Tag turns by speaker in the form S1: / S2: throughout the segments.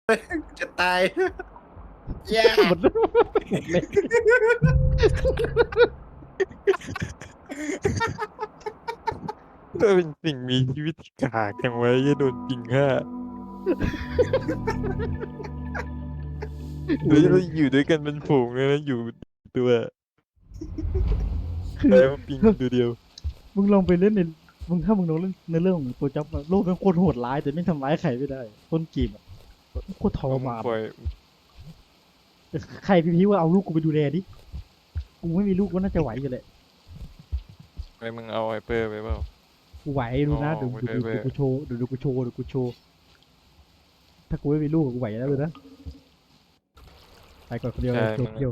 S1: จะตายแย่
S2: หมดเลย
S3: ถ้าเป็นสิ่งมีชีวิตที่กากจังไว้จะโดนปิงฆ่าเดี๋ยวเราอยู่ด้วยกันเป็นฝูงเลยนะอยู่ตัวแต่ว่าปิงตัวเดียว
S2: มึงลองไปเล่นในถ้ามึงลองเล่นในเรื่องของตัวจับโลกเป็นโคตรโหดร้ายแต่ไม่ทำร้ายใครไม่ได้ต้นเกมอะโคตรทรมาน
S3: ปล่อย
S2: แต่ใครพี่ว่าเอาลูกกูไปดูแลดิกูไม่มีลูกก็น่าจะไหวอยู่แหละ
S3: อะไรมึงเอาไฮเปอร์ไปเปล่า
S2: กูไหวดูนะ
S3: อ๋อ
S2: ดู
S3: ไม่
S2: ดู
S3: ได้
S2: ดู
S3: เว้ย
S2: กูโชว์ดูกูโชว์ดูกูโชว์ถ้ากูไม่มีลูกกูไหวแล้วเลยนะไปก่อนคนเดียว
S3: ใช่
S2: จบเดียว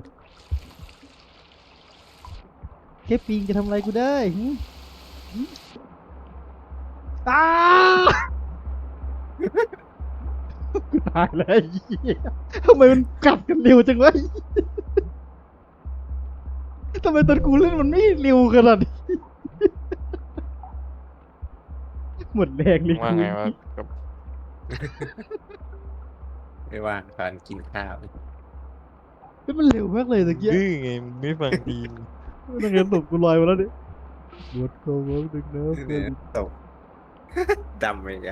S2: แค่ปิงจะทำอะไรกูได้หึอ้ากูตายแล้วไอ้เหี้ยทำไมมันกัดกันเร็วจังวะทำไมตอนกูเล่นมันไม่เร็วขนาดนี้หมดแรงเลย
S3: ว่า
S2: กู
S3: ไงวะกับ
S1: ไม่ว่างตอนกินข้าว
S2: เฮ้ยมันเร็วมากเลยตะเกีย
S3: ดื้อไงมึงไม่ฟังดีน
S2: นักเรียนตกกูลอยมาแล้วเนี่ยบวชโกงดึกน้ำ
S1: เนี่ยตก ดำไปอีกอะ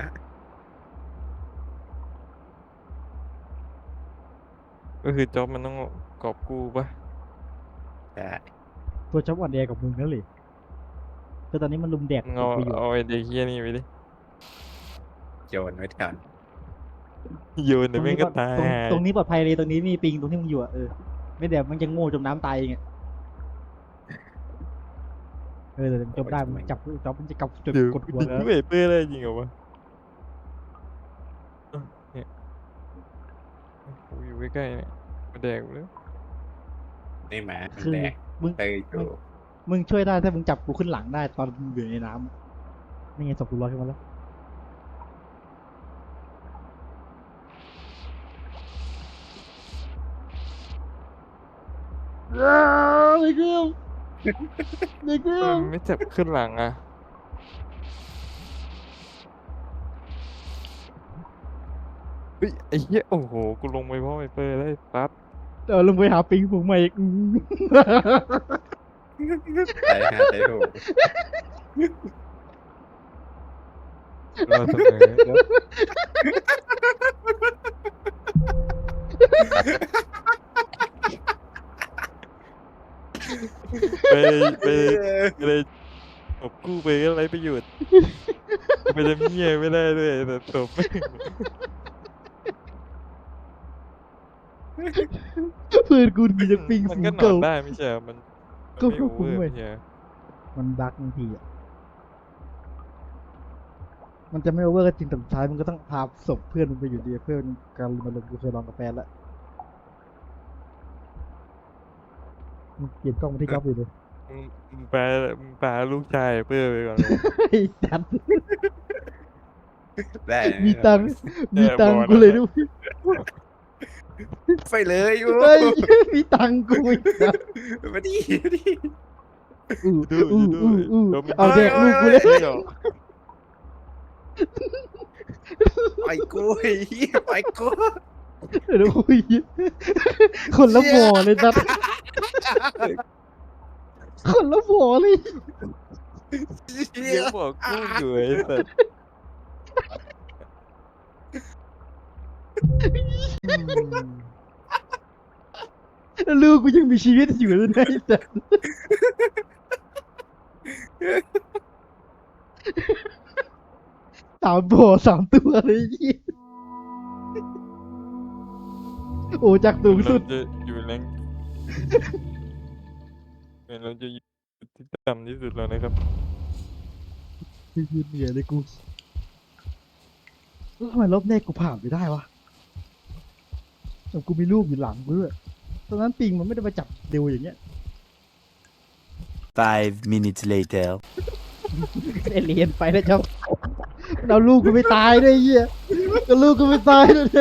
S3: ก็คือจ็อบมันต้องกอบกู้ปะ
S1: ใช่
S2: ตัวจับอ่อนแอกับมึงนั่นเลยคือตอนนี้มันลุมแดก
S3: มึงเอา
S2: กูอยู่
S3: เอาไอเด็กเฮียนี่ไปดิ
S1: โยนไว้ก่อน
S3: โยนเดี๋ยวแม่งก็ตาย
S2: ตรงนี้ปลอดภัยเลยตรงนี้มีปิงตรงที่มึงอยู่อ่ะไม่แดกมันจะโง่จมน้ำตายเองอ่ะแต่จมได้มันจับจับมันจะกำจน
S3: เดี๋ยว
S2: กดหัว
S3: ติด
S2: แล้ว
S3: ด้วยไฮเปอร์ได้จริงเหรอวะเนี่ยกูอยู่ใกล้ๆเนี่ยมาแดกกูแล้ว
S1: นี่หมามัน
S2: คือ
S1: แดก
S2: มึง
S1: เตยอยู่
S2: มึงช่วยได้ถ้ามึงจับกูขึ้นหลังได้ตอนมึงอยู่ในน้ำนี่ไงศพกูลอยขึ้นมาแล้วเด็กเกี้ยวเด็กเกี้ยว
S3: มันไม่จับขึ้นหลังอ่ะเฮ้ยไอ้เหี้ยโอ้โหกูลงไปเพราะไฮเปอร์ได้ปั๊บ
S2: ลงไปหาปิงผมมาอีก
S1: ตายหาตายถูก
S3: รอเสมอครับไปไปเลยตบกู้ไปก็ไรประโยชน์ไปทำเหี้ยไม่ได้ด้วยแต่ตบ
S2: เพื่อนกูมีจะปิง
S3: มัน
S2: ฝู
S3: ก็
S2: ง
S3: นอ
S2: เก่าน
S3: ได้ไม่ใช่เหรอมัน
S2: ก็
S3: ไม่โอเวอร์
S2: คุ้มเว้ย
S3: ไม่ใช่เหรอ
S2: มันบั๊กบางทีอ่ะมันจะไม่โอเวอร์ก็จริงแต่สุดท้ายมันก็ต้องพาศพเพื่อนมันไปอยู่ดีเพื่อนการมาลงกูเคยลองกับแฟนละมึงเปลี่ยนกล้องมาที่ก๊อฟอยู่เลย
S3: มึงแปลลูกชายเพื่อไปก่อนเลย
S2: ไอ้จัน
S1: ได้
S2: มีตังค์มีตังค์กูเลยด้วย
S1: ไปเลยอยู่
S2: เฮ้ยมีตังค์กูอีกนะ
S1: มาดิมาดิ
S2: อู้
S3: ดู
S2: อู้
S3: ดู
S2: อู้อู้
S3: ดู
S2: เอาแดกลูกกูเลย
S3: เดี๋ยว
S1: ไปกูไอ้เหี้ยไปกู
S2: เดี๋ยวคุยคนละบ่อเลยจัดคนละบ่อเลย
S1: เหี้
S3: เดี๋
S1: ย
S3: ยวบอกกูอยู่ไอ้สัส
S2: แล้วลูกกูยังมีชีวิตอยู่เลยนะไอ้จัดสามบ่อสามตัวเลยไอ้เหี้ยโอ้จากสูงสุด
S3: เราจะอยู่แรงเราจะอยู่ที่ต่ำที่สุดแล้วนะครับ
S2: ยืนเหนื่อยเลยกูแล้วทำไมรอบแรกกูผ่านไปได้วะแต่กูมีรูปอยู่หลังกูด้วยตอนนั้นปิงมันไม่ได้มาจับเร็วอย่างเงี้ย
S4: 5 minutes later.
S2: เอเลียนไปแล้วเจ้าเอาลูกกูไม่ตายด้วยไอ้เหี้ยก็ลูกกูไม่ตายด้วย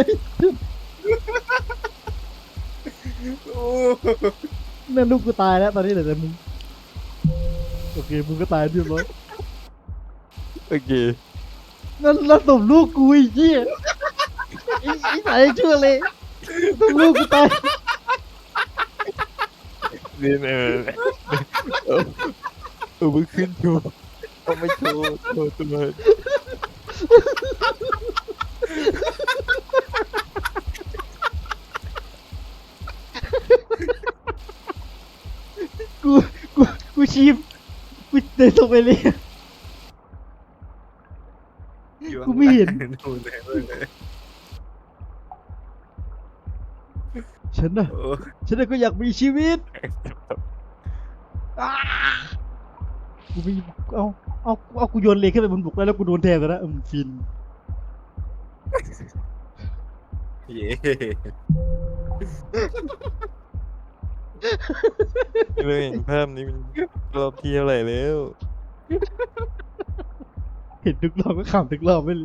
S1: โอ้
S2: นั่นลูกกูตายแล้วตอนนี้เหลือแต่มึงโอเคมึงก็ตายเรียบร้อย
S3: โอเค
S2: นั่นแล้วศพลูกกูไอ้เหี้ยไอ้สายชั่วเลยต้องลูกกูตาย
S3: เรียนมึงขึ้นโชว์เอาไม่โชว์โชว์ตัว
S2: กูกูกูชีพกูเดินตรงไปเลย กูไม่เห็น
S1: ดูเลย
S2: ฉันน่ะ
S1: โอ้
S2: ฉันน่ะก็อยากมีชีวิตอ้ากูมีเอากูโยนเหล็กขึ้นไปบนบกแล้วกูโดนแทงแล้วนะฟิน
S1: เย่
S3: เลยเห็นภาพนี้มันรอบที่เท่าไหร่แล้ว
S2: เห็นทุกรอบก็ขำทุกรอบไม่เลย